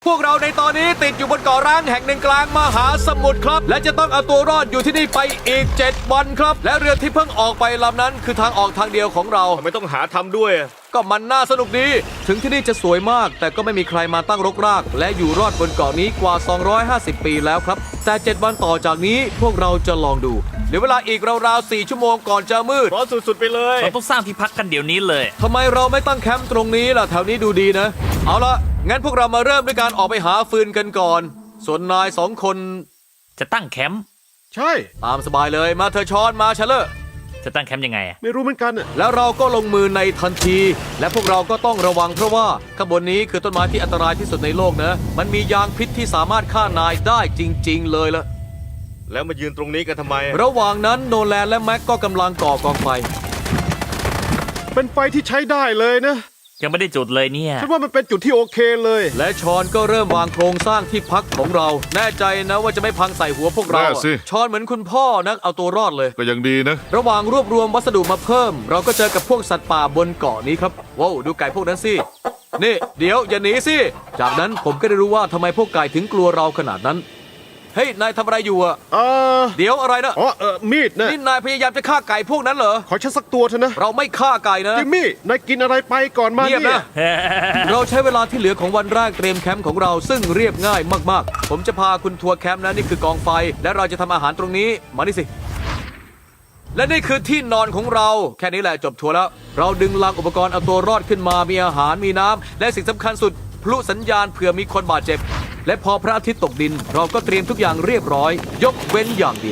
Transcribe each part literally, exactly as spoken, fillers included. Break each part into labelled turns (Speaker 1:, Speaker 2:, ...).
Speaker 1: วกเราในตอนนี้ติดอยู่บนเกาะร้างแห่งหนึ่งกลางมหาสมุทรครับและจะต้องเอาตัวรอดอยู่ที่นี่ไปอีกเจ็ดวันครับและเรือที่เพิ่งออกไปลำนั้นคือทางออกทางเดียวของเรา
Speaker 2: ทำไมต้องหาทำด้วย
Speaker 1: ก็มันน่าสนุกดีถึงที่นี่จะสวยมากแต่ก็ไม่มีใครมาตั้งรกรากและอยู่รอดบนเกาะนี้กว่าสองร้อยห้าสิบปีแล้วครับแต่เจ็ดวันต่อจากนี้พวกเราจะลองดูเหลือเวลาอีกราวๆสี่ชั่วโมงก่อนจะมืด
Speaker 2: ร้อนสุดๆไปเลย
Speaker 3: เราต้องสร้างที่พักกันเดี๋ยวนี้เลย
Speaker 1: ทำไมเราไม่ตั้งแคมป์ตรงนี้ล่ะแถวนี้ดูดีนะเอาละงั้นพวกเรามาเริ่มด้วยการออกไปหาฟืนกันก่อนส่วนนายสองคน
Speaker 3: จะตั้งแคมป์
Speaker 4: ใช่
Speaker 1: ตามสบายเลยมาเธอช้อนมาเชลเลอร์
Speaker 3: จะตั้งแคมป์ยังไงอะ
Speaker 4: ไม่รู้เหมือนกันน่ะ
Speaker 1: แล้วเราก็ลงมือในทันที และพวกเราก็ต้องระวังเพราะว่าข้างบนนี้คือต้นไม้ที่อันตรายที่สุดในโลกนะมันมียางพิษที่สามารถฆ่านายได้จริง ๆ เลยละ
Speaker 2: แล้วมายืนตรงนี้กันทำไม
Speaker 1: ระหว่างนั้นโนแลนและแม็กก็กำลังก่อกองไฟ
Speaker 4: เป็นไฟที่ใช้ได้เลยนะ
Speaker 3: ยังไม่ได้จุดเลยเนี่ย
Speaker 4: ฉันว่ามันเป็นจุดที่โอเคเลย
Speaker 1: และชอนก็เริ่มวางโครงสร้างที่พักของเรา แน่ใจนะว่าจะไม่พังใส่หัวพวกเรา
Speaker 5: แน่สิ
Speaker 1: ชอนเหมือนคุณพ่อนักเอาตัวรอดเลย
Speaker 5: ก็ยังดีนะ
Speaker 1: ระหว่างรวบรวมวัสดุมาเพิ่ม เราก็เจอกับพวกสัตว์ป่าบนเกาะนี้ครับว้าวดูไก่พวกนั้นสินี่เดี๋ยวอย่าหนีสิจากนั้นผมก็ได้รู้ว่าทำไมพวกไก่ถึงกลัวเราขนาดนั้นเฮ้ยนายทำอะไรอยู่อะ
Speaker 4: เออ
Speaker 1: เดี๋ยวอะไรนะ
Speaker 4: อ๋อเออมีดนะ
Speaker 1: นี่นายพยายามจะฆ่าไก่พวกนั้นเหรอ
Speaker 4: ขอฉันสักตัวเถอะนะ
Speaker 1: เราไม่ฆ่าไก่นะ
Speaker 4: จิมมี่ นายกินอะไรไปก่อนมา
Speaker 1: เงียบ
Speaker 4: เนี่
Speaker 1: นะ
Speaker 4: ย
Speaker 1: เราใช้เวลาที่เหลือของวันแรกเตรียมแคมป์ของเราซึ่งเรียบง่ายมากๆ ผมจะพาคุณทัวร์แคมป์นะนี่คือกองไฟ และเราจะทำอาหารตรงนี้มานี่สิ และนี่คือที่นอนของเราแค่นี้แหละจบทัวร์แล้ว เราดึงลังอุปกรณ์เอาตัวรอดขึ้นมามีอาหารมีน้ำและสิ่งสำคัญสุดพลุสัญญาณเผื่อมีคนบาดเจ็บ และพอพระอาทิตย์ตกดิน เราก็เตรียมทุกอย่างเรียบร้อย ยกเว้นอย่างเดียว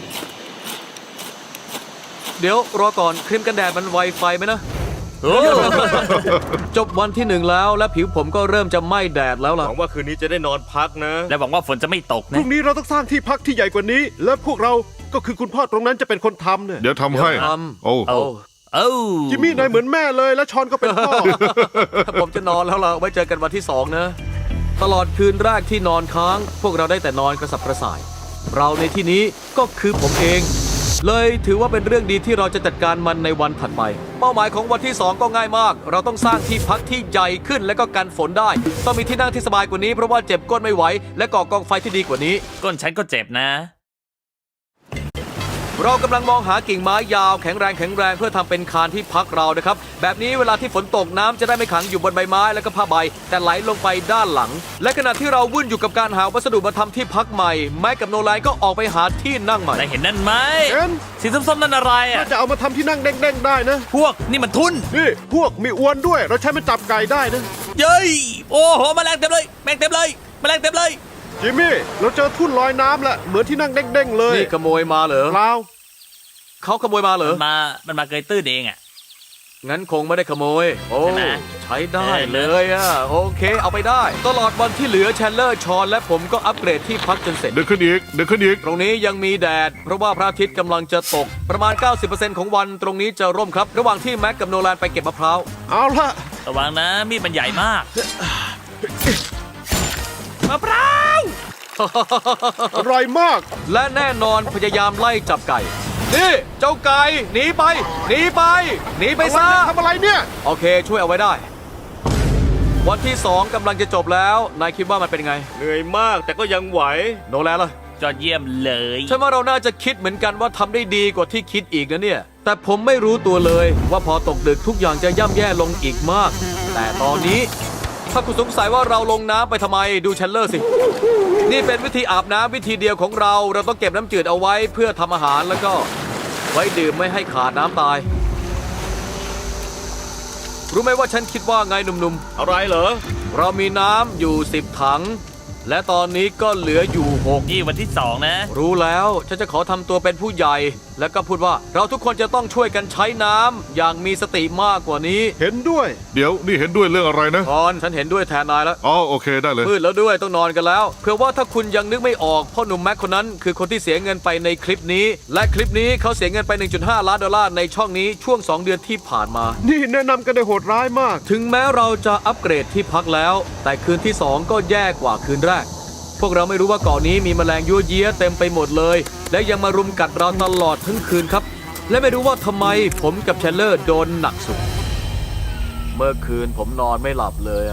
Speaker 1: เดี๋ยวรอก่อนครีมกันแดดมันไวไฟไหมนะ
Speaker 3: โอ้
Speaker 1: จบวันที่หนึ่งแล้วและผิวผมก็เริ่มจะไหม้แดดแล้ว
Speaker 2: ห
Speaker 1: ล่ะ
Speaker 2: วังว่าคืนนี้จะได้นอนพักนะ
Speaker 3: และหวังว่าฝนจะไม่ตก
Speaker 4: พ
Speaker 3: นะ
Speaker 4: รุ่งนี้เราต้องสร้างที่พักที่ใหญ่กว่านี้ และพวกเราก็คือคุณพ่อตรงนั้นจะเป็นคนทำเนี่ย
Speaker 5: เดี๋ยวทำให้
Speaker 1: เดี๋ยวท
Speaker 5: โอ้
Speaker 3: เอาเอ้า
Speaker 4: จิมมี่ นายเหมือนแม่เลย และชอนก็เป็นพ่อ
Speaker 1: ผมจะนอนแล้วล่ะไว้เจอกันวันที่สองนะ ตลอดคืนแรกที่นอนค้าง พวกเราได้แต่นอนกระสับกระส่าย เราในที่นี้ก็คือผมเอง เลยถือว่าเป็นเรื่องดีที่เราจะจัดการมันในวันถัดไป เป้าหมายของวันที่สองก็ง่ายมาก เราต้องสร้างที่พักที่ใหญ่ขึ้นและก็กันฝนได้ ต้องมีที่นั่งที่สบายกว่านี้เพราะว่าเจ็บก้นไม่ไหวและก่อกองไฟที่ดีกว่านี้
Speaker 3: ก้นฉันก็เจ็บนะ
Speaker 1: เรากำลังมองหากิ่งไม้ยาวแข็งแรงแข็งแรงเพื่อทำเป็นคานที่พักเรานะครับแบบนี้เวลาที่ฝนตกน้ำจะได้ไม่ขังอยู่บนใบไม้และก็ผ้าใบแต่ไหลลงไปด้านหลัง และขณะที่เราวุ่นอยู่กับการหาวัสดุมาทำที่พักใหม่แม็กกับโนแลนก็ออกไปหาที่นั่งใหม่
Speaker 3: นายเห็นนั่นไหม
Speaker 4: เห็น
Speaker 3: สีส้มๆนั่นอะไรอ่ะ
Speaker 4: จะเอามาทำที่นั่งเด้งๆได้นะ
Speaker 3: พวกนี่มันทุน
Speaker 4: นี่ พวกมีอวนด้วย เราใช้มันจับไก่ได้นะ
Speaker 3: เย้ยโอ้โหแมลงเต็มเลยแมลงเต็มเลยแมลงเต็มเลย
Speaker 4: จิมมี่ เราเจอทุ่นลอยน้ำแล้วเหมือนที่นั่งเด้งๆเลย
Speaker 1: นี่ขโมยมาเหรอ
Speaker 4: เปล่า
Speaker 1: เขาขโมยมาเหรอ
Speaker 3: มันมา มันมาเกยตื้นเองอ่ะ
Speaker 1: งั้นคงไม่ได้ขโมย โอ้
Speaker 3: ใช่ไหม
Speaker 1: ใช้ได้เลยอ่ะ โอเค เอาไปได้ ตลอดวันที่เหลือแชนเลอร์ชอนและผมก็อัปเกรดที่พักจนเสร็จ
Speaker 5: เดินขึ้นอีก เดินขึ้นอีก
Speaker 1: ตรงนี้ยังมีแดด เพราะว่าพระอาทิตย์กำลังจะตก ประมาณ เก้าสิบเปอร์เซ็นต์ ของวันตรงนี้จะร่มครับ ระหว่างที่แม็กกับโนแลนไปเก็บมะพร้าว
Speaker 4: เอาละ
Speaker 3: ระวังนะ มีดมันใหญ่มากมะพร้าว
Speaker 4: อร่อยมาก
Speaker 1: และแน่นอนพยายามไล่จับไก่ นี่เจ้าไก่หนีไป หนีไป หนีไปซะ
Speaker 4: ทำอะไรเนี่ย
Speaker 1: โอเค ช่วยเอาไว้ได้ วันที่สองกำลังจะจบแล้ว นายคิดว่ามันเป็นไง
Speaker 2: เหนื่อยมากแต่ก็ยังไหว
Speaker 1: โนแลนล่ะ
Speaker 3: ยอดเยี่ยมเลย
Speaker 1: ฉันว่าเราน่าจะคิดเหมือนกันว่าทำได้ดีกว่าที่คิดอีกนะเนี่ย แต่ผมไม่รู้ตัวเลยว่าพอตกดึกทุกอย่างจะย่ำแย่ลงอีกมาก แต่ตอนนี้ ถ้าคุณสงสัยว่าเราลงน้ำไปทำไมดูแชนเลอร์สิ นี่เป็นวิธีอาบน้ำวิธีเดียวของเรา เราต้องเก็บน้ำจืดเอาไว้เพื่อทำอาหารแล้วก็ไว้ดื่มไม่ให้ขาดน้ำตาย รู้ไหมว่าฉันคิดว่าไงหนุ่ม
Speaker 2: อะไรเหรอ
Speaker 1: ๆ เรามีน้ำอยู่สิบถัง และตอนนี้ก็เหลืออยู่หก
Speaker 3: นี่วันที่สองนะ
Speaker 1: รู้แล้วฉันจะขอทำตัวเป็นผู้ใหญ่ แล้วก็พูดว่าเราทุกคนจะต้องช่วยกันใช้น้ำอย่างมีสติมากกว่านี้
Speaker 4: เห็นด้วย
Speaker 5: เดี๋ยวนี่เห็นด้วยเรื่องอะไรนะ
Speaker 1: พรฉันเห็นด้วยแทนนายแล้ว
Speaker 5: อ๋อโอเคได้เลย
Speaker 1: มืดแล้วด้วยต้องนอนกันแล้วเผื่อว่าถ้าคุณยังนึกไม่ออกพ่อหนุ่มแม็กคนนั้นคือคนที่เสียเงินไปในคลิปนี้ และคลิปนี้เขาเสียเงินไป หนึ่งจุดห้า ล้านดอลลาร์ในช่องนี้ช่วงสองเดือนที่ผ่านมา
Speaker 4: นี่แนะนำกันได้โหดร้ายมาก
Speaker 1: ถึงแม้เราจะอัปเกรดที่พักแล้ว แต่คืนที่สองก็แย่กว่าคืนแรก พวกเราไม่รู้ว่าเกาะนี้มีแมลงยั่วเยี้ยเต็มไปหมดเลย และยังมารุมกัดเราตลอดทั้งคืนครับ และไม่รู้ว่าทำไมผมกับแชนเลอร์โดนหนักสุด เมื่อคืนผมนอนไม่หลับเลยอ่ะ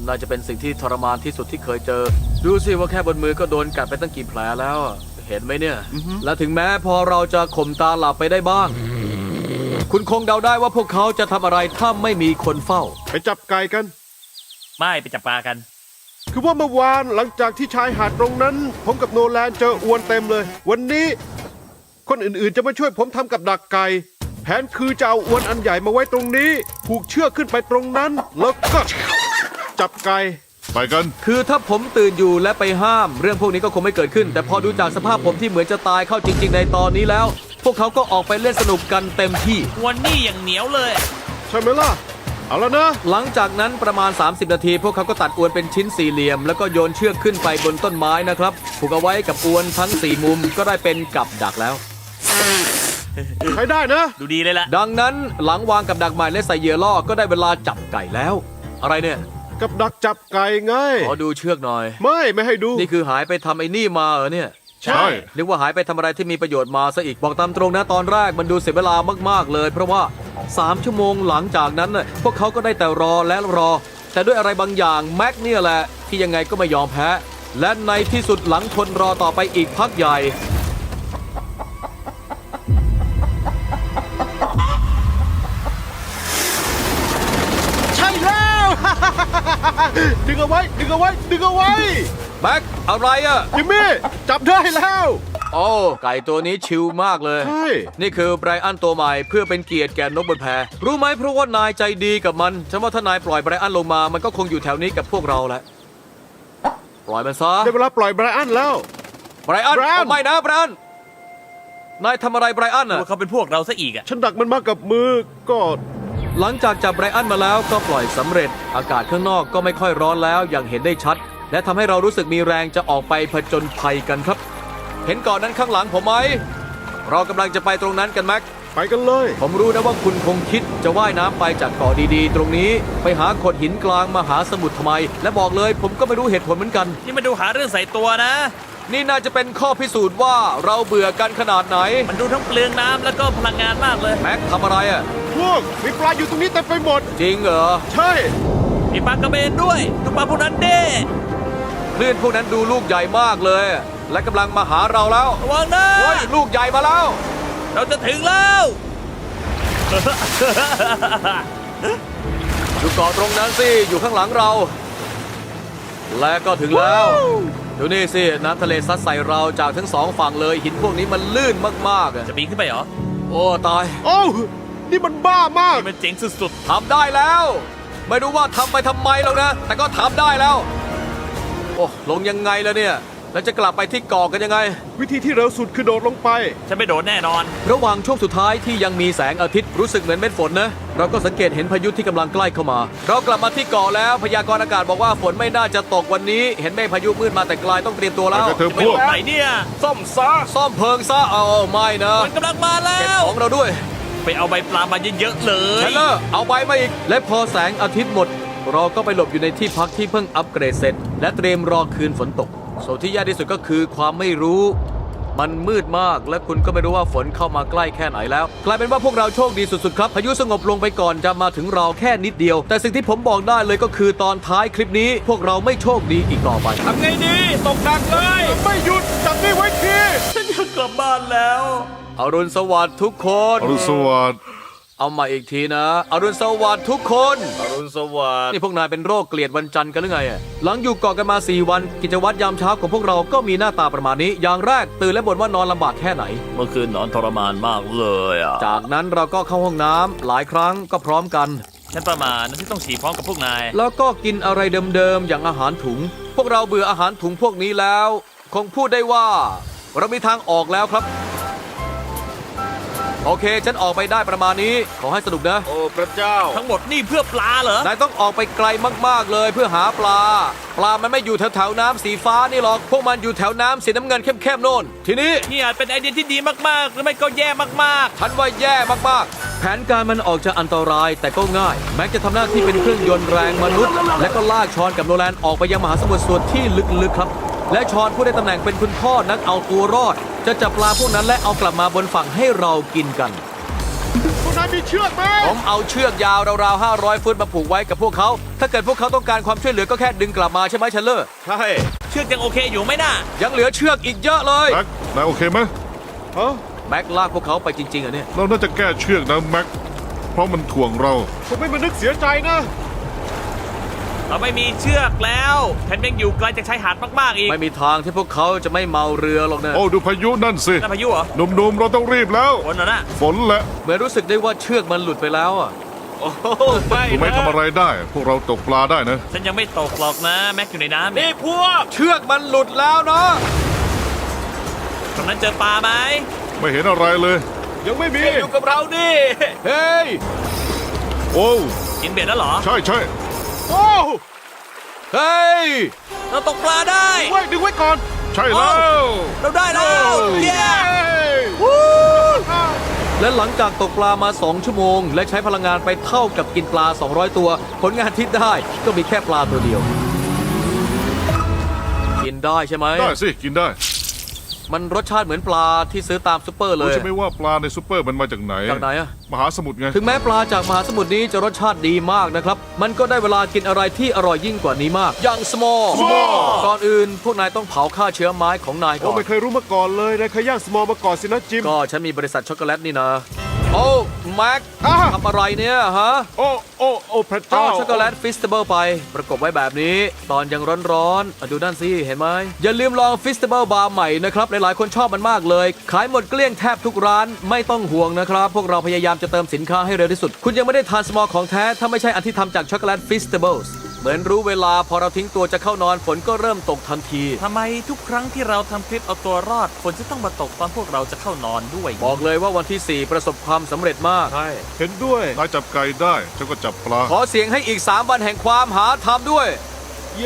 Speaker 1: น่าจะเป็นสิ่งที่ทรมานที่สุดที่เคยเจอ ดูสิว่าแค่บนมือก็โดนกัดไปตั้งกี่แผลแล้วอะเห็นไหมเนี่ย และถึงแม้พอเราจะข่มตาหลับไปได้บ้าง คุณคงเดาได้ว่าพวกเขาจะทำอะไรถ้าไม่มีคนเฝ้า
Speaker 4: ไปจับไก่กัน
Speaker 3: ไม่ไปจับปลากัน
Speaker 4: คือว่าเมื่อวานหลังจากที่ชายหาดตรงนั้น ผมกับโนแลนเจออวนเต็มเลย วันนี้ คนอื่นๆจะมาช่วยผมทำกับดักไก่ แผนคือจะเอาอวนอันใหญ่มาไว้ตรงนี้ ผูกเชือกขึ้นไปตรงนั้น แล้วก็ จับไก่
Speaker 5: ไปกัน
Speaker 1: คือถ้าผมตื่นอยู่และไปห้าม เรื่องพวกนี้ก็คงไม่เกิดขึ้น แต่พอดูจากสภาพผมที่เหมือนจะตายเข้าจริง ๆ ในตอนนี้แล้ว พวกเขาก็ออกไปเล่นสนุกกันเต็มที่
Speaker 3: วันนี้อย่างเหนียวเลย
Speaker 4: ใช่ไหมล่ะ เอาแล้วนะ
Speaker 1: หลังจากนั้นประมาณ สามสิบ นาที พวกเขาก็ตัดอวนเป็นชิ้นสี่เหลี่ยม แล้วก็โยนเชือกขึ้นไปบนต้นไม้นะครับผูกเอาไว้กับอวนทั้งสี่มุมก็ได้เป็นกับดักแล้ว
Speaker 4: ใช้ได้นะ
Speaker 3: ดูดีเลยล่ะ
Speaker 1: ดังนั้นหลังวางกับดักใหม่และใส่เหยื่อล่อก็ได้เวลาจับไก่แล้ว อะไรเนี่ย
Speaker 4: กับดักจับไก่ไง
Speaker 1: ขอดูเชือกหน่อย
Speaker 4: ไม่ไม่ให้ดู
Speaker 1: นี่คือหายไปทำไอ้นี่มาเหรอเนี่ย
Speaker 5: ใช่
Speaker 1: นึกว่าหายไปทำอะไรที่มีประโยชน์มาซะอีกบอกตามตรงนะตอนแรกมันดูเสียเวลามากๆเลย เพราะว่าสามชั่วโมงหลังจากนั้นน่ะพวกเขาก็ได้แต่รอและรอ แต่ด้วยอะไรบางอย่างแม็กเนี่ยแหละที่ยังไงก็ไม่ยอมแพ้ และในที่สุดหลังทนรอต่อไปอีกพักใหญ่
Speaker 4: ใช่แล้ว ดึงเอาไว้ ดึงเอาไว้ ดึงเอาไว้
Speaker 1: แม็กอะไรอะ
Speaker 4: จิมมี่ จับได้แล้ว
Speaker 1: โอ้ไก่ตัวนี้ชิลมากเลย
Speaker 4: ใช่
Speaker 1: นี่คือไบรอันตัวใหม่เพื่อเป็นเกียรติแก่นกบนแพรู้ไหมเพราะว่านายใจดีกับมันฉันว่าถ้านายปล่อยไบรอันลงมามันก็คงอยู่แถวนี้กับพวกเราแหละปล่อยมันซะ
Speaker 4: ได้เวลาปล่อยไบรอันแล้ว
Speaker 1: ไบรอัน
Speaker 4: ไบรอัน
Speaker 1: โอ้ไม่นะไบรอันนายทำอะไรไบรอันอะ
Speaker 3: ว่าเขาเป็นพวกเราซะอีกอ่ะ
Speaker 4: ฉันดักมันมากับมือ ก็
Speaker 1: หลังจากจับไบรอันมาแล้วก็ปล่อยสำเร็จ อากาศข้างนอกก็ไม่ค่อยร้อนแล้วอย่างเห็นได้ชัด และทำให้เรารู้สึกมีแรงจะออกไปผจญภัยกันครับ เห็นเก่อนนั้นข้างหลังผมไหมเรากำลังจะไปตรงนั้นกันแม็ก
Speaker 4: ไปกันเลย
Speaker 1: ผมรู้นะว่าคุณคงคิดจะว่ายน้ำไปจากเกาะดีๆ ตรงนี้ ไปหาโขดหินกลางมหาสมุทรทำไม และบอกเลยผมก็ไม่รู้เหตุผลเหมือนกัน
Speaker 3: นี่มาดูหาเรื่องใส่ตัวนะ
Speaker 1: นี่น่าจะเป็นข้อพิสูจน์ว่าเราเบื่อกันขนาดไหน
Speaker 3: มันดูทั้งเปลืองน้ำแล้วก็พลังงานมากเลย
Speaker 1: แม็กทำอะไรอ่ะ
Speaker 4: พวก มีปลาอยู่ตรงนี้เต็มไปหมด
Speaker 1: จริงเหรอ
Speaker 4: ใช่
Speaker 3: มีปลากระเบนด้วย ดูปลาพวกนั้นเด้
Speaker 1: คลื่นพวกนั้นดูลูกใหญ่มากเลย และกำลังมาหาเราแล้ว
Speaker 3: ระวังนะ
Speaker 1: เฮ้ยลูกใหญ่มาแล้ว
Speaker 3: เราจะถึงแล้ว
Speaker 1: ดูเกาะตรงนั้นสิอยู่ข้างหลังเรา และก็ถึงแล้ว ดูนี่สิน้ำทะเลซัดใส่เราจากทั้งสองฝั่งเลยหินพวกนี้มันลื่นมากๆอะ
Speaker 3: จะปีนขึ้นไปเหรอ
Speaker 1: โอ้ตาย
Speaker 4: โอ้วนี่มันบ้ามาก
Speaker 3: นี่มันเจ๋งสุด
Speaker 1: ทำได้แล้ว ไม่รู้ว่าทำไปทำไมหรอกนะ แต่ก็ทำได้แล้ว โอ้ลงยังไงแล้วเนี่ย แล้วจะกลับไปที่เกาะกันยังไง
Speaker 4: วิธีที่เร็วสุดคือโดดลงไป
Speaker 3: ๆ ฉันไม่โดดแน่นอน
Speaker 1: ระหว่างช่วงสุดท้ายที่ยังมีแสงอาทิตย์รู้สึกเหมือนเม็ดฝนนะ เราก็สังเกตเห็นพายุที่กำลังใกล้เข้ามา เรากลับมาที่เกาะแล้วพยากรณ์อากาศบอกว่าฝนไม่น่าจะตกวันนี้ เห็นเมฆพายุมืดมาแต่ไกลต้องเตรียมตัวแล้ว
Speaker 5: ไปกันเถอะ
Speaker 3: ไปโดดไหนเนี่ย
Speaker 2: ซ่อมซะ
Speaker 1: ซ่อมเพลิงซะเอาไม่นะ
Speaker 3: มันกำลังมาแล้
Speaker 1: เก็บ
Speaker 3: ว
Speaker 1: ของเราด้วย
Speaker 3: ไปเอาใบปลามาเยอะๆเลย
Speaker 1: เชลเลอร์เอาใบมาอีก และพอแสงอาทิตย์หมด เราก็ไปหลบอยู่ในที่พักที่เพิ่งอัปเกรดเสร็จ และเตรียมรอคืนฝนตกส่วนที่ยากที่สุดก็คือความไม่รู้ มันมืดมากและคุณก็ไม่รู้ว่าฝนเข้ามาใกล้แค่ไหนแล้ว กลายเป็นว่าพวกเราโชคดีสุดๆครับพายุสงบลงไปก่อนจะมาถึงเราแค่นิดเดียว แต่สิ่งที่ผมบอกได้เลยก็คือตอนท้ายคลิปนี้ พวกเราไม่โชคดีอีกต่อไป
Speaker 2: ทำไงดี ตกหนักเลย
Speaker 4: ไม่หยุด จับนี่ไว้ที
Speaker 3: ฉันอยากกลับบ้านแล้ว
Speaker 1: อรุณสวัสดิ์ทุกคน
Speaker 5: อรุณสวัสดิ์
Speaker 1: เอามาอีกทีนะ อรุณสวัสดิ์ทุกคน
Speaker 2: อรุณสวัสดิ์
Speaker 1: นี่พวกนายเป็นโรคเกลียดวันจันทร์กันหรือไงอะหลังอยู่เกาะกันมาสี่วัน กิจวัตรยามเช้าของพวกเราก็มีหน้าตาประมาณนี้ อย่างแรกตื่นและบ่นว่านอนลำบากแค่ไหน
Speaker 3: เมื่อคืนนอนทรมานมากเลยอ่ะ
Speaker 1: จากนั้นเราก็เข้าห้องน้ำหลายครั้งก็พร้อมกัน
Speaker 3: ฉันประมาณที่ต้องฉี่พร้อมกับพวกนาย
Speaker 1: แล้วก็กินอะไรเดิมๆอย่างอาหารถุง พวกเราเบื่ออาหารถุงพวกนี้แล้ว คงพูดได้ว่า เรามีทางออกแล้วครับ โอเค ฉันออกไปได้ประมาณนี้ ขอให้สนุกนะ
Speaker 2: โอ้พระเจ้า
Speaker 3: ทั้งหมดนี่เพื่อปลาเหรอ
Speaker 1: นายต้องออกไปไกลมากๆเลยเพื่อหาปลา ปลามันไม่อยู่แถวๆน้ำสีฟ้านี่หรอก พวกมันอยู่แถวน้ำสีน้ำเงินเข้มๆโน่น ทีนี้
Speaker 3: นี่อาจเป็นไอเดียที่ดีมากๆ หรือไม่ก็แย่มาก
Speaker 1: ฉันว่าแย่มากๆ แผนการมันออกจะอันตรายแต่ก็ง่าย แม็กจะทำหน้าที่เป็นเครื่องยนต์แรงมนุษย์ และก็ลากชอนกับโนแลนออกไปยังมหาสมุทรส่วนที่ลึกๆครับ และชอนผู้ได้ตำแหน่งเป็นคุณพ่อนักเอาตัวรอด จะจับปลาพวกนั้นและเอากลับมาบนฝั่งให้เรากินกัน
Speaker 4: พวกนายายมีเชือกไหม
Speaker 1: ผมเอาเชือกยาวราวๆห้าร้อยฟุตมาผูกไว้กับพวกเขา ถ้าเกิดพวกเขาต้องการความช่วยเหลือก็แค่ดึงกลับมาใช่ไหมเชลเลอร์
Speaker 2: ใช่
Speaker 3: เชือกยังโอเคอยู่ไหมน่ะ
Speaker 1: ยังเหลือเชือกอีกเยอะเลย
Speaker 5: แม็กนายโอเคไหม
Speaker 4: ฮะ
Speaker 1: แม็กลากพวกเขาไปจริงๆอ่ะเนี่ย
Speaker 5: เราน่าจะแก้เชือกนะแม็กเพราะมันถ่วงเรา
Speaker 4: ผมไม่มานึกเสียใจนะ
Speaker 3: เราไม่มีเชือกแล้วแถมยังอยู่ไกลจากชายหาดมากๆอีก
Speaker 1: ไม่มีทางที่พวกเขาจะไม่เมาเรือหรอกนะ
Speaker 5: โอ้ดูพายุนั่นสิ
Speaker 3: นั่นพายุเหรอ
Speaker 5: หนุ่มๆเราต้องรีบแล้ว
Speaker 3: ฝนเหรอน่ะ
Speaker 5: ฝนแหละ
Speaker 1: เหมือนรู้สึกได้ว่าเชือกมันหลุดไปแล้วอ่ะ
Speaker 2: โอ้โหไม่
Speaker 5: ดูไหม่
Speaker 2: นะ
Speaker 5: ทำอะไรได้ พวกเราตกปลาได้นะ
Speaker 3: ฉันยังไม่ตกหรอกนะ แม็กอยู่ในน้ำเนี่
Speaker 2: นี่
Speaker 3: ย
Speaker 2: พวก
Speaker 1: เชือกมันหลุดแล้วเนาะ
Speaker 3: ตรงนั้นเจอปลาไหม
Speaker 5: ไม่เห็นอะไรเลย
Speaker 4: ยังไม่มี
Speaker 2: อยู่กับเราดิ
Speaker 1: เฮ้ย
Speaker 5: โอ้
Speaker 3: กินเบ็ดแล้วเหรอ
Speaker 5: ใช่ใช่
Speaker 4: โอ้
Speaker 1: เฮ้ย
Speaker 3: เราตกปลาได้
Speaker 4: ไว้ดึงไว้ก่อน
Speaker 5: ใช่แล้ว
Speaker 3: เราได้แล้วเย้
Speaker 1: และหลังจากตกปลามา สอง ชั่วโมง และใช้พลังงานไปเท่ากับกินปลา สองร้อย ตัว ผลงานที่ได้ก็มีแค่ปลาตัวเดียว กินได้ใช่ไหม
Speaker 5: ได้สิกินได้
Speaker 1: มันรสชาติเหมือนปลาที่ซื้อตามซุปเปอร์เล
Speaker 5: รู้
Speaker 1: ย
Speaker 5: ใช่ไหมว่าปลาในซูเปอร์มันมาจากไหน
Speaker 1: จากไหนอะ
Speaker 5: มหาสมุทรไง
Speaker 1: ถึงแม้ปลาจากมหาสมุทรนี้จะรสชาติดีมากนะครับ มันก็ได้เวลากินอะไรที่อร่อยยิ่งกว่านี้มาก อย่าง small ก่อนอื่น พวกนายต้องเผาฆ่าเชื้อไม้ของนายก่
Speaker 4: โอ้
Speaker 1: อน
Speaker 4: ไม่เคยรู้มาก่อนเลยนายเคยย่างสมอลมาก่อนสินะจิม
Speaker 1: ก็ฉันมีบริษัทช็อกโกแลตนี่นะ โอ้แม็ก
Speaker 4: อ่ะ
Speaker 1: ทำอะไรเนี่ยฮะ
Speaker 4: โอ้โอ้โอ้พระ
Speaker 1: เอา
Speaker 4: เจ้า
Speaker 1: ช็อกโกแลตฟิสเตเบิลไป ประกบไว้แบบนี้ ตอนยังร้อนๆอ่ะดูนั่นสิ เห็นไหม อย่าลืมลองฟิสเตเบิลบาร์ใหม่นะครับ หลายๆ คนชอบมันมากเลย ขายหมดเกลี้ยงแทบทุกร้านไม่ต้องห่วงนะครับ พวกเราพยายามจะเติมสินค้าให้เร็วที่สุด คุณยังไม่ได้ทานสมอลของแท้ ถ้าไม่ใช่อันที่ทำจากช็อกโกแลตฟิสเตเบิลเหมือนรู้เวลาพอเราทิ้งตัวจะเข้านอนฝนก็เริ่มตกทันที
Speaker 3: ทำไมทุกครั้งที่เราทำคลิปเอาตัวรอดฝนจะต้องมาตกตอนพวกเราจะเข้านอนด้วย
Speaker 1: บอกเลยว่าวันที่สี่ประสบความสำเร็จมาก
Speaker 2: ใช่
Speaker 4: เห็นด้วย
Speaker 5: นายจับไก่ได้ฉันก็จับปลา
Speaker 1: ขอเสียงให้อีกสามวันแห่งความหาธรรมด้วย
Speaker 4: เย้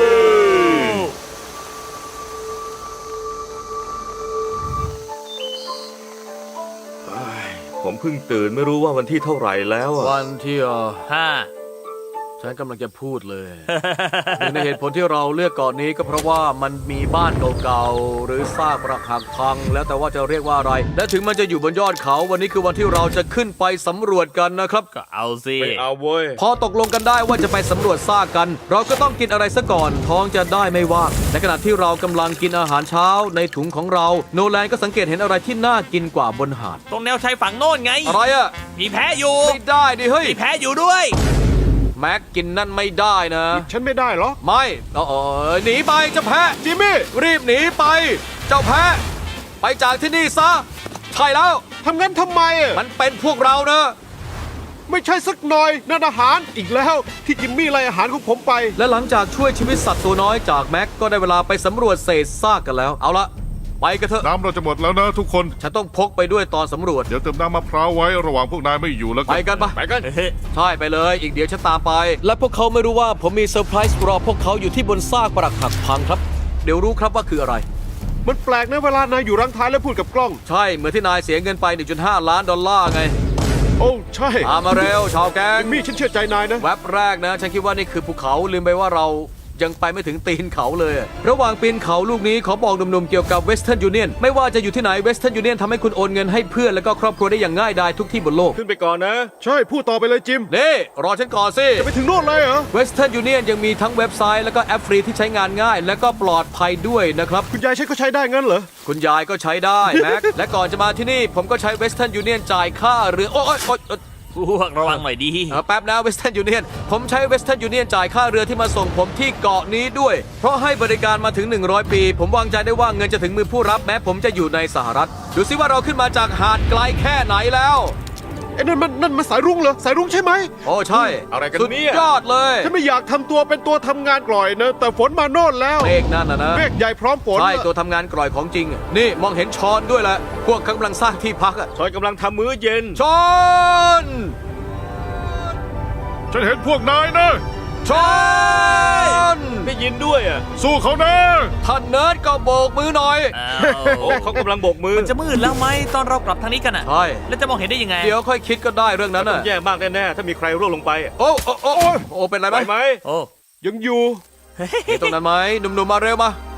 Speaker 2: ผมเพิ่งตื่นไม่รู้ว่าวันที่เท่าไหร่แล้วอะ
Speaker 1: วันที่เออ
Speaker 3: ห้า
Speaker 1: ฉันกำลังจะพูดเลย หนึ่งในเหตุผลที่เราเลือกเกาะนี้ก็เพราะว่ามันมีบ้านเก่าๆหรือซากปรักหักพัง แล้วแต่ว่าจะเรียกว่าอะไร และถึงมันจะอยู่บนยอดเขา วันนี้คือวันที่เราจะขึ้นไปสำรวจกันนะครับ
Speaker 3: ก็เอาสิ
Speaker 2: ไม่เอาเว้ย
Speaker 1: พอตกลงกันได้ว่าจะไปสำรวจซากกัน เราก็ต้องกินอะไรซะก่อน ท้องจะได้ไม่ว่างในขณะที่เรากำลังกินอาหารเช้าในถุงของเรา โนแลนก็สังเกตเห็นอะไรที่น่ากินกว่าบนหาด
Speaker 3: ตรงแนวชายฝั่งโน่นไง
Speaker 1: อะไรอะ
Speaker 3: มีแพ้อยู่
Speaker 1: ไม่ได้ดิเฮ้ย
Speaker 3: มีแพ้อยู่ด้วย
Speaker 1: แม็กกินนั่นไม่ได้นะ
Speaker 4: ฉันไม่ได้เหรอ
Speaker 1: ไม่เออหนีไปเจ้าแพะ
Speaker 4: จิมมี่
Speaker 1: รีบหนีไป เจ้าแพะ ไปจากที่นี่ซะ ใช่แล้ว
Speaker 4: ทำงั้นทำไมอะ
Speaker 1: มันเป็นพวกเรานะ
Speaker 4: ไม่ใช่สักหน่อยนั่นอาหารอีกแล้วที่จิมมี่ไล่อาหารของผมไป
Speaker 1: และหลังจากช่วยชีวิตสัตว์ตัวน้อยจากแม็กก็ได้เวลาไปสำรวจเศษซากกันแล้ว เอาละไปกันเถอะ
Speaker 5: น้ำเราจะหมดแล้วนะทุกคน
Speaker 1: ฉันต้องพกไปด้วยตอนสำรวจ
Speaker 5: เดี๋ยวเติมน้ำมะพร้าวไว้ระหว่างพวกนายไม่อยู่แล้ว
Speaker 1: ไป
Speaker 5: กัน
Speaker 1: กันปะ
Speaker 2: ไปกัน
Speaker 1: ใช่ไปเลย อีกเดี๋ยวฉันตามไป และพวกเขาไม่รู้ว่าผมมีเซอร์ไพรส์รอพวกเขาอยู่ที่บนซากปรักหักพังครับ เดี๋ยวรู้ครับว่าคืออะไร
Speaker 4: มันแปลกนะเวลานายอยู่รังท้ายแล้วพูดกับกล้อง
Speaker 1: ใช่เหมือนที่นายเสียเงินไป หนึ่งจุดห้า ล้านดอลลาร์ไง
Speaker 4: โอ้ใช่
Speaker 1: ตามมาเร็วชาวแก๊ง
Speaker 4: จิมมี่ฉันเชื่อใจนายนะ
Speaker 1: แว็บแรกนะ ฉันคิดว่านี่คือภูเขาลืมไปว่าเรายังไปไม่ถึงตีนเขาเลย ระหว่างปีนเขาลูกนี้ขอบอกหนุ่มๆเกี่ยวกับ Western Union ไม่ว่าจะอยู่ที่ไหน Western Union ทำให้คุณโอนเงินให้เพื่อนและก็ครอบครัวได้อย่างง่ายดายทุกที่บนโลก
Speaker 2: ขึ้นไปก่อนนะ
Speaker 4: ใช่พูดต่อไปเลยจิม
Speaker 1: นี่ รอฉันก่อนสิ
Speaker 4: จะไปถึงโน่นเลยเหรอ
Speaker 1: Western Union ยังมีทั้งเว็บไซต์และก็แอปฟรีที่ใช้งานง่าย และก็ปลอดภัยด้วยนะครับ
Speaker 4: คุณยายใช้ก็ใช้ได้งั้นเหรอ
Speaker 1: คุณยายก็ใช้ได้แม็ก และก่อนจะมาที่นี่ผมก็ใช้ Western Union จ่ายค่าเรือโอ๊ยโอ๊ยโอ๊ยโอ๊ย
Speaker 3: พวกระวังหน่อยดี
Speaker 1: เออแป๊บนะ Western Union ผมใช้ Western Union จ่ายค่าเรือที่มาส่งผมที่เกาะนี้ด้วย เพราะให้บริการมาถึง หนึ่งร้อย ปี ผมวางใจได้ว่าเงินจะถึงมือผู้รับแม้ผมจะอยู่ในสหรัฐ ดูซิว่าเราขึ้นมาจากหาดไกลแค่ไหนแล้ว
Speaker 4: ไอ้นั่นมันนั่นมันสายรุ้งเหรอ สายรุ้งใช่ไหม
Speaker 1: โอ้ใช่
Speaker 2: อะไรกัน
Speaker 1: สุด
Speaker 2: เนี่ย
Speaker 1: ยอดเลย
Speaker 4: ฉันไม่อยากทำตัวเป็นตัวทำงานกล่อยนะ แต่ฝนมาโน่นแล้ว
Speaker 1: เมฆนั่นนะนะ
Speaker 4: เมฆใหญ่พร้อมฝน
Speaker 1: ใช่ตัวทำงานกร่อยของจริง นี่มองเห็นชอนด้วยแหละพวกกำลังสร้างที่พักอะ
Speaker 2: ชอยกำลังทำมื้อเย็น
Speaker 1: ชอน
Speaker 5: ฉันเห็นพวกนายนะ
Speaker 1: ชอน
Speaker 2: ได้ยินด้วยอ่ะ
Speaker 5: สู้เขานะ
Speaker 1: ท่านเนิร์ดก็โบกมือหน่อย
Speaker 3: อ้า
Speaker 2: โอ้
Speaker 3: ว
Speaker 2: เขากำลังโบกมือ
Speaker 3: มันจะมืดแล้วไหมตอนเรากลับทางนี้กันอ่ะ
Speaker 1: ใช่
Speaker 3: แล้วจะมองเห็นได้ยังไง
Speaker 1: เดี๋ยวค่อยคิดก็ได้เรื่องนั้น
Speaker 2: ต้อ
Speaker 1: น่ะ
Speaker 2: งแย่มากแน่ๆถ้ามีใครร่วงลงไปอะ
Speaker 1: โอ้โอ้โอ้โอ้โอ้เป็นไร
Speaker 2: ไห
Speaker 1: ไห
Speaker 2: ว
Speaker 1: ม
Speaker 2: ไหม
Speaker 3: โอ้
Speaker 4: ยังอยู่
Speaker 1: มีตรงนั้นไหมหนุ่มๆมาเร็วมา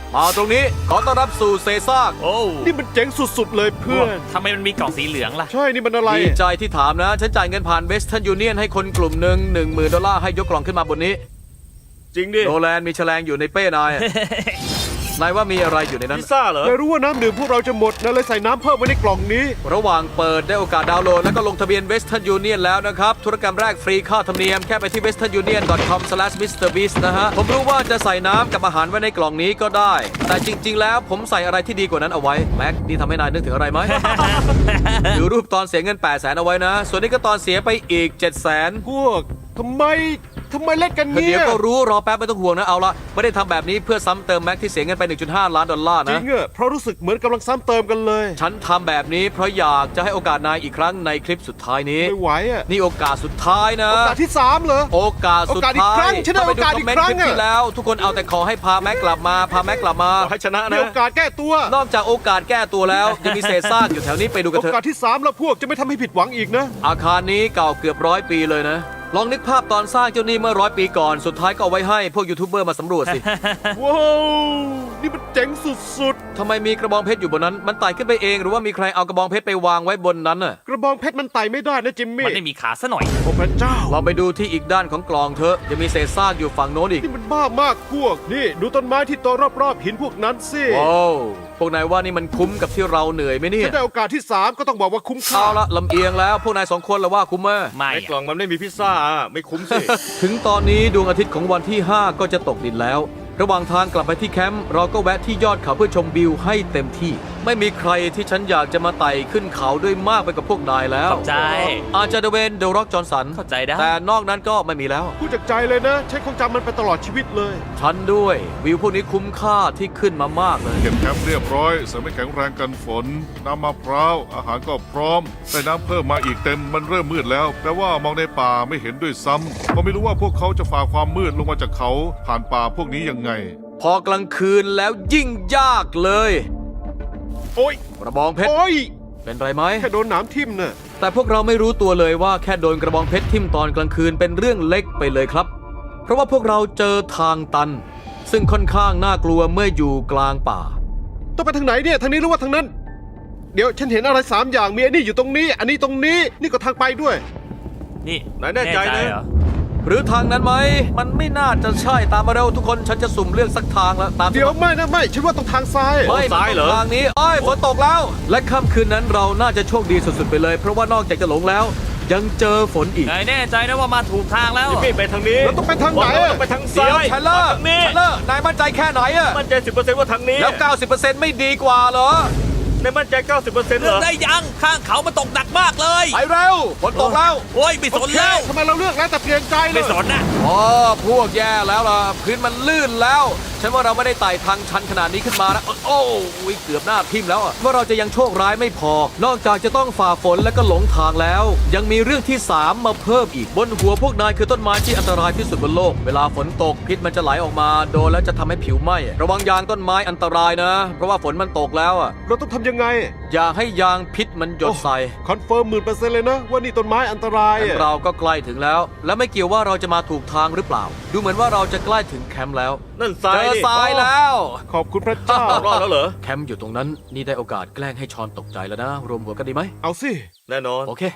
Speaker 1: มาตรงนี้ขอต้อนรับสู่เซซาก
Speaker 3: โอ้
Speaker 4: นี่มันเจ๋งสุดๆเลยเพื่อน
Speaker 3: ทำไมมันมีกล่องสีเหลืองล่ะ
Speaker 4: ใช่ นี่มันอะไร
Speaker 1: ดีใจที่ถามนะ ฉันจ่ายเงินผ่านเวสเทิร์นยูเนียนให้คนกลุ่มหนึ่งหนึ่งหมื่นดอลลาร์ให้ยกกล่องขึ้นมาบนนี้
Speaker 2: จริงดิ
Speaker 1: โนแลนมีแฉลงอยู่ในเป้นาย นายว่ามีอะไรอยู่ในนั้น
Speaker 2: พิซซ่าเหรอ
Speaker 4: แต่รู้ว่าน้ำดื่มพวกเราจะหมดนะเลยใส่น้ำเพิ่มไว้ในกล่องนี้
Speaker 1: ระหว่างเปิดได้โอกาสดาวน์โหลดแล้วก็ลงทะเบียน Western Union แล้วนะครับ ธุรกรรมแรกฟรีค่าธรรมเนียมแค่ไปที่ เวสเทิร์นยูเนียน ดอท คอม สแลช มิสเตอร์ บีสต์ นะฮะ ผมรู้ว่าจะใส่น้ำกับอาหารไว้ในกล่องนี้ก็ได้ แต่จริง ๆ แล้วผมใส่อะไรที่ดีกว่านั้นเอาไว้ แม็กนี่ทำให้นายนึกถึงอะไรไหม ดูรูปตอนเสียเงิน แปดแสน เอาไว้นะ ส่วนนี้ก็ตอนเสียไปอีก เจ็ดแสน
Speaker 4: พวกทำไมทำไมเล่นกัน
Speaker 1: เดี๋
Speaker 4: เนี่ย
Speaker 1: ยวก็รู้รอแป๊บไม่ต้องห่วงนะเอาละไม่ได้ทำแบบนี้เพื่อซ้ำเติมแม็กที่เสียเงินไป หนึ่งจุดห้า ล้านดอลลาร์
Speaker 4: จริ
Speaker 1: นะ
Speaker 4: งอะเพราะรู้สึกเหมือนกำลังซ้ำเติมกันเลย
Speaker 1: ฉันทำแบบนี้เพราะอยากจะให้โอกาสนายอีกครั้งในคลิปสุดท้ายนี้
Speaker 4: ไม่ไหวอะ
Speaker 1: นี่โอกาสสุดท้ายนะ
Speaker 4: โอกาสที่สามเหรอ
Speaker 1: โอกาสสุด
Speaker 4: โอกาสอีก
Speaker 1: ท้าย
Speaker 4: ครั้งฉันได้
Speaker 1: ถ้ไป
Speaker 4: โอกาสอีก
Speaker 1: มเมน
Speaker 4: ครั้ง
Speaker 1: ลิปที่
Speaker 4: อะ
Speaker 1: แล้ว ทุกคนเอาแต่ขอให้พาแม็กกลับมา พาแม็กกลับมา
Speaker 2: ขอให้ชนะ
Speaker 4: มี
Speaker 2: นะ
Speaker 4: โอกาสแก้ตัว
Speaker 1: นอกจากโอกาสแก้ตัวแล้ว ยังมีเศษซากอยู่แถวนี้ไปดูกัน
Speaker 4: โอ
Speaker 1: เถอะ
Speaker 4: กาสที่สามแล้วพวกจะไม่ทำให้ผิดหวังอีกนะ
Speaker 1: อาคารนี้เก่าเกือบร้อยปีเลยนะ ลองนึกภาพตอนสร้างเจ้านี่เมื่อร้อยปีก่อน สุดท้ายก็เอาไว้ให้พวกยูทูบเบอร์มาสำรวจสิ
Speaker 4: ว้าว นี่มันเจ๋งสุด
Speaker 1: ทำไมมีกระบองเพชรอยู่บนนั้น มันไต่ขึ้นไปเองหรือว่ามีใครเอากระบองเพชรไปวางไว้บนนั้นน่ะ
Speaker 4: ๆ กระบองเพชรมันไต่ไม่ได้นะจิมมี่
Speaker 3: มันไม่มีขาซะหน่อย
Speaker 4: โอ้พระเจ้า
Speaker 1: ลองไปดูที่อีกด้านของกลองเถอะยังมีเศษซากอยู่ฝั่งโน้นอีก
Speaker 4: นี่มันบ้ามากพวก นี่ดูต้นไม้ที่โตรอบๆหินพวกนั้นสิ
Speaker 1: ว้าวพวกนายว่านี่มันคุ้มกับที่เราเหนื่อยไหมเนี่ย
Speaker 4: ฉันได้โอกาสที่สามก็ต้องบอกว่าคุ้มค่า
Speaker 1: เอาละลำเอียงแล้วพวกนายสองคนละว่าคุ้มไหม
Speaker 3: ไม่
Speaker 2: ใน
Speaker 3: อะ
Speaker 2: กล่องมันไม่มีพิซซ่าอะไม่คุ้มสิ
Speaker 1: ถึงตอนนี้ดวงอาทิตย์ของวันที่ ห้า ก็จะตกดินแล้ว ระหว่างทางกลับไปที่แคมป์เราก็แวะที่ยอดเขาเพื่อชมวิวให้เต็มที่ ไม่มีใครที่ฉันอยากจะมาไต่ขึ้นเขาด้วยมากไปกับพวกนายแล้ว
Speaker 3: เข้าใจ
Speaker 1: อาจจะเดเวนเดอะร็อกจอห์นสัน
Speaker 3: เข้าใจได้
Speaker 1: แต่นอกนั้นก็ไม่มีแล้ว
Speaker 4: พูดจากใจเลยนะ ฉันคงจำมันไปตลอดชีวิตเลย
Speaker 1: ฉันด้วยวิวพวกนี้คุ้มค่าที่ขึ้นมามากเลย
Speaker 5: เก็บแคมป์เรียบร้อยเสริมให้แข็งแรงกันฝน น้ำมะพร้าว อาหารก็พร้อม ได้น้ำเพิ่มมาอีกเต็ม มันเริ่มมืดแล้ว แปลว่ามองในป่าไม่เห็นด้วยซ้ำก็ไม่รู้ว่าพวกเขาจะฝ่าความมืดลงมาจากเขา ผ่านป่าพวกนี้ยังไง
Speaker 1: พอกลางคืนแล้วยิ่งยากเลย
Speaker 4: โอ้ย
Speaker 1: กระบองเพชร
Speaker 4: โอ้ย
Speaker 1: เป็นไรไหม
Speaker 4: แค่โดนหนามทิ่มน่ะ
Speaker 1: แต่พวกเราไม่รู้ตัวเลยว่าแค่โดนกระบองเพชรทิ่มตอนกลางคืนเป็นเรื่องเล็กไปเลยครับ เพราะว่าพวกเราเจอทางตัน ซึ่งค่อนข้างน่ากลัวเมื่ออยู่กลางป่า
Speaker 4: ต้องไปทางไหนเนี่ย ทางนี้หรือว่าทางนั้น เดี๋ยวฉันเห็นอะไรสามอย่าง มีอันนี้อยู่ตรงนี้ อันนี้ตรงนี้ นี่ก็ทางไปด้วย
Speaker 3: นี่
Speaker 2: นายแน่ใจนะ
Speaker 3: เหรอ
Speaker 1: หรือทางนั้นไหม มันไม่น่าจะใช่ตามมาเร็วทุกคนฉันจะสุ่มเลือกสักทางแล้วตาม
Speaker 4: เดี๋ยวไม่นะไม่ ฉันว่าต้องทางซ้าย
Speaker 1: ไม่
Speaker 2: ซ้ายเหรอ
Speaker 1: ทางนี้อ้อยฝนตกแล้ว และค่ำคืนนั้นเราน่าจะโชคดีสุดๆไปเลย เพราะว่านอกจากจะหลงแล้ว ยังเจอฝนอีก
Speaker 3: นายแน่ใจนะว่ามาถูกทางแล้ว
Speaker 2: จิมมี่ไปทางนี้
Speaker 4: แล้วต้องไปทางไหน
Speaker 2: บอกแล้วว่าต้องไปทางซ้าย
Speaker 1: เชลเลอร์
Speaker 2: ทางนี้
Speaker 1: เชลเลอร์นายมั่นใจแค่ไหนอะ
Speaker 2: มั่นใจสิบเปอร์เซ็นต์ว่าทางนี้
Speaker 1: แล้ว เก้าสิบเปอร์เซ็นต์ ไม่ดีกว่าเหรอ
Speaker 2: ในมั่นใจเก้าสิบเปอร์เซ็นต์
Speaker 3: เลื
Speaker 2: เหร
Speaker 3: อก
Speaker 2: อ
Speaker 3: ได้ยังข้างเขามันตกหนักมากเลย
Speaker 1: ไปเร็วฝนตกแล้ว
Speaker 3: โอ้ยไม่สนแล้ว
Speaker 4: ทำไมเราเลือกแล้วแต่เปลี่ยนใจเล
Speaker 3: ไม่
Speaker 4: ย
Speaker 3: สนนะ
Speaker 1: อ๋อพวกแย่แล้วล่ะพื้นมันลื่นแล้ว ฉันว่าเราไม่ได้ไต่ทางชันขนาดนี้ขึ้นมานะโอ้ยเกือบหน้าทิ่มแล้วอะว่าเราจะยังโชคร้ายไม่พอ นอกจากจะต้องฝ่าฝนและก็หลงทางแล้ว ยังมีเรื่องที่สามมาเพิ่มอีกบนหัวพวกนายคือต้นไม้ที่อันตรายที่สุดบนโลกเวลาฝนตกพิษมันจะไหลออกมาโดนแล้วจะทำให้ผิวไหม้ระวังยางต้นไม้อันตรายนะ เพราะว่าฝนมันตกแล้วอะ
Speaker 4: เราต้องทำยังไง
Speaker 1: อย่าให้ยางพิษมันหยดใส่
Speaker 4: คอนเฟิร์มหมื่นเปอร์เซ็นต์เลยนะ ว่านี่ต้นไม้อันตราย
Speaker 1: งั้น
Speaker 4: อะ
Speaker 1: เราก็ใกล้ถึงแล้ว และไม่เกี่ยวว่าเราจะมาถูกทางหรือเปล่า ดูเหมือนว่าเราจะใกล้ถึงแคมป์แล้ว
Speaker 2: นั่นซ้า
Speaker 1: เจ
Speaker 2: ย
Speaker 1: อ
Speaker 2: นี่
Speaker 1: ทรายแล้ว
Speaker 4: ขอบคุณพระเจ้า
Speaker 2: รอดแล้วเหรอ
Speaker 1: แคมป์อยู่ตรงนั้นนี่ได้โอกาสแกล้งให้ชอนตกใจแล้วนะ รวมหัวกันดีไหม
Speaker 4: เอาสิ
Speaker 2: แน่นอน
Speaker 1: โอเค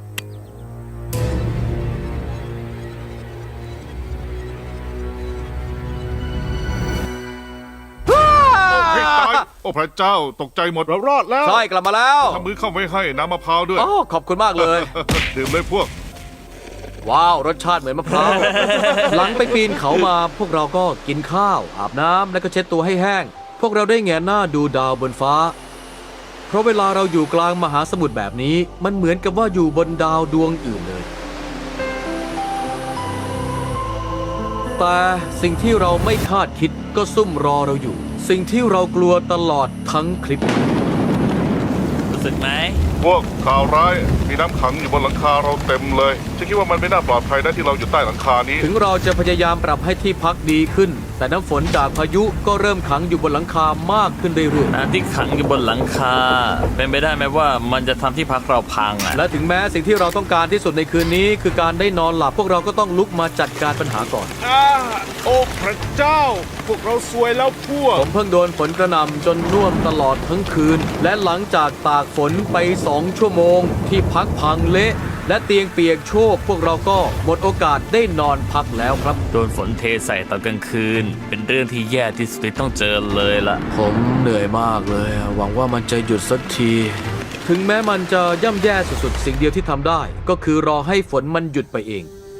Speaker 5: ให้ตาย โอ้พระเจ้าตกใจหมด
Speaker 4: เรารอดแล้ว
Speaker 1: ใช่กลับมาแล้ว
Speaker 5: ทำมือเข้าไว้ให้น้ำมะพร้าวด้วย
Speaker 1: โอ้ขอบคุณมากเลย
Speaker 5: ดื่มเลยพวก
Speaker 1: ว้าว รสชาติเหมือนมะพร้าว หลังไปปีนเขามาพวกเราก็กินข้าว อาบน้ำแล้วก็เช็ดตัวให้แห้ง พวกเราได้แงนหน้าดูดาวบนฟ้า เพราะเวลาเราอยู่กลางมหาสมุทรแบบนี้ มันเหมือนกับว่าอยู่บนดาวดวงอื่นเลย แต่สิ่งที่เราไม่คาดคิดก็ซุ่มรอเราอยู่ สิ่งที่เรากลัวตลอดทั้งคลิป
Speaker 3: รู้สึกไหม
Speaker 5: พวกข่าวร้ายมีน้ำขังอยู่บนหลังคาเราเต็มเลยฉันคิดว่ามันไม่น่าปลอดภัยนะที่เราอยู่ใต้หลังคานี้
Speaker 1: ถึงเราจะพยายามปรับให้ที่พักดีขึ้น แต่น้ำฝนจากพายุก็เริ่มขังอยู่บนหลังคามากขึ้นเรื่อย
Speaker 3: น้ำที่ขังอยู่บนหลังคา เป็นไปได้ไหมว่ามันจะทำที่พักเราพังอ่ะ
Speaker 1: ๆและถึงแม้สิ่งที่เราต้องการที่สุดในคืนนี้ คือการได้นอนหลับพวกเราก็ต้องลุกมาจัดการปัญหาก่อน
Speaker 4: อ่าโอ้พระเจ้า พวกเราซวยแล้วพวก
Speaker 1: ผมเพิ่งโดนฝนกระหน่ำจนน่วมตลอดทั้งคืน และหลังจากตากฝนไปสองชั่วโมง ที่พักพังเละและเตียงเปียกโชกพวกเราก็หมดโอกาสได้นอนพักแล้วครับ
Speaker 3: โดนฝนเทใส่ตอนกลางคืน เป็นเรื่องที่แย่ที่สุดที่ต้องเจอเลยละ
Speaker 1: ผมเหนื่อยมากเลย หวังว่ามันจะหยุดสักที ถึงแม้มันจะย่ำแย่สุดๆ สิ่งเดียวที่ทำได้ ก็คือรอให้ฝนมันหยุดไปเอง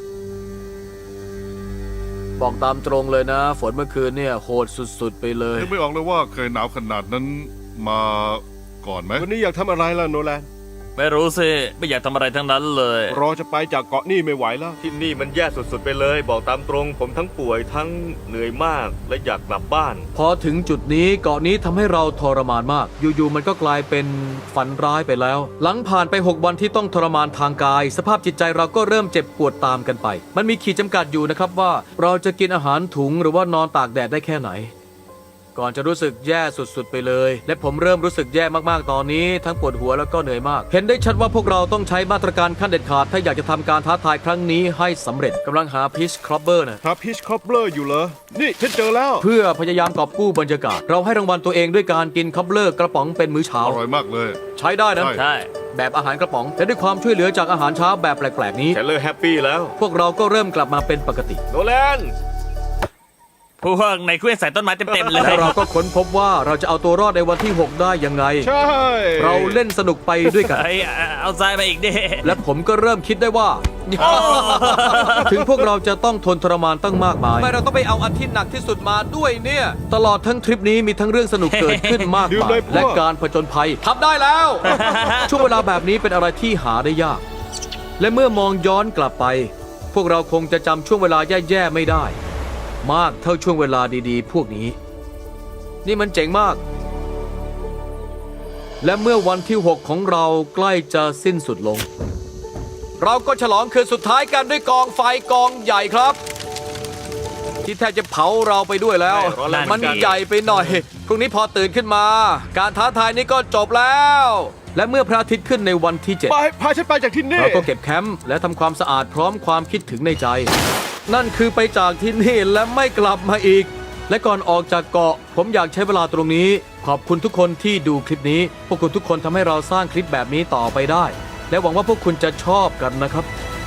Speaker 1: บอกตามตรงเลยนะ ฝนเมื่อคืนเนี่ยโหดสุดๆ ไปเลย
Speaker 5: นึกไม่ออกเลยว่าเคยหนาวขนาดนั้นมาก่อนไหม
Speaker 4: วันนี้อยากทำอะไรล่ะโนแลน
Speaker 3: ไม่รู้สิ ไม่อยากทำอะไรทั้งนั้นเลย
Speaker 4: รอจะไปจากเกาะนี่ไม่ไหวแล้ว
Speaker 2: ที่นี่มันแย่สุดๆไปเลย บอกตามตรง ผมทั้งป่วยทั้งเหนื่อยมากและอยากกลับบ้าน
Speaker 1: พอถึงจุดนี้เกาะนี้ทำให้เราทรมานมาก อยู่ๆ มันก็กลายเป็นฝันร้ายไปแล้ว หลังผ่านไป หก วันที่ต้องทรมานทางกาย สภาพจิตใจเราก็เริ่มเจ็บปวดตามกันไป มันมีขีดจำกัดอยู่นะครับว่าเราจะกินอาหารถุงหรือว่านอนตากแดดได้แค่ไหน ก่อนจะรู้สึกแย่สุดๆไปเลย และผมเริ่มรู้สึกแย่มากๆตอนนี้ ทั้งปวดหัวแล้วก็เหนื่อยมาก เห็นได้ชัดว่าพวกเราต้องใช้มาตรการขั้นเด็ดขาดถ้าอยากจะทำการท้าทายครั้งนี้ให้สำเร็จกำลังหาพิชครอบเบอร์นะ
Speaker 4: หาพิชคอปเปอร์อยู่เหรอ นี่ฉันเจอแล้ว
Speaker 1: เพื่อพยายามกอบกู้บรรยากาศ เราให้รางวัลตัวเองด้วยการกินคัพเลอร์กระป๋องเป็นมื้อเช้า
Speaker 5: อร่อยมากเลย
Speaker 1: ใช้ได้นะ
Speaker 5: ใช่
Speaker 3: ใช่
Speaker 1: แบบอาหารกระป๋องและด้วยความช่วยเหลือจากอาหารเช้าแบบแปลกๆนี้
Speaker 2: แคลเลอร์แฮปปี้แล้ว
Speaker 1: พวกเราก็เริ่มกลับมาเป็นปกติ
Speaker 2: โนแลน
Speaker 3: พวกในเครื่องใส่ต้นไม้เต็มๆเลย
Speaker 1: และเราก็ค้นพบว่าเราจะเอาตัวรอดในวันที่ หก ได้ยังไง
Speaker 4: ใช่
Speaker 1: เราเล่นสนุกไปด้วยกัน
Speaker 3: ไอ้เอาทรายไปอีกดิ
Speaker 1: และผมก็เริ่มคิดได้ว่า ถึงพวกเราจะต้องทนทรมานตั้งมากมายทำไมเราต้องไปเอาอันที่หนักที่สุดมาด้วยเนี่ย ตลอดทั้งทริปนี้มีทั้งเรื่องสนุกเกิดขึ้นมาก
Speaker 4: ดื่ม
Speaker 1: มา
Speaker 4: เลย ยพวก
Speaker 1: และการผจญภัยทำได้แล้ว ช่วงเวลาแบบนี้เป็นอะไรที่หาได้ยาก และเมื่อมองย้อนกลับไป พวกเราคงจะจำช่วงเวลาแย่ๆไม่ได้ มากเท่าช่วงเวลาดีๆ พวกนี้ นี่มันเจ๋งมาก และเมื่อวันที่ หก ของเราใกล้จะสิ้นสุดลง เราก็ฉลองคืนสุดท้ายกันด้วยกองไฟกองใหญ่ครับ ที่แทบจะเผาเราไปด้วยแล้ว
Speaker 2: ไม่ร้อนแรงเหมื
Speaker 1: มั
Speaker 2: อน นกัน
Speaker 1: ใหญ่ไปหน่อย พรุ่งนี้พอตื่นขึ้นมา การท้าทายนี้ก็จบแล้ว และเมื่อพระอาทิตย์ขึ้นในวันที่ เจ็ด
Speaker 4: ไปพาฉันไปจากที่นี่
Speaker 1: เราก็เก็บแคมป์และทำความสะอาดพร้อมความคิดถึงในใจ นั่นคือไปจากที่นี่และไม่กลับมาอีก และก่อนออกจากเกาะ ผมอยากใช้เวลาตรงนี้ ขอบคุณทุกคนที่ดูคลิปนี้ พวกคุณทุกคนทำให้เราสร้างคลิปแบบนี้ต่อไปได้ และหวังว่าพวกคุณจะชอบกันนะครับ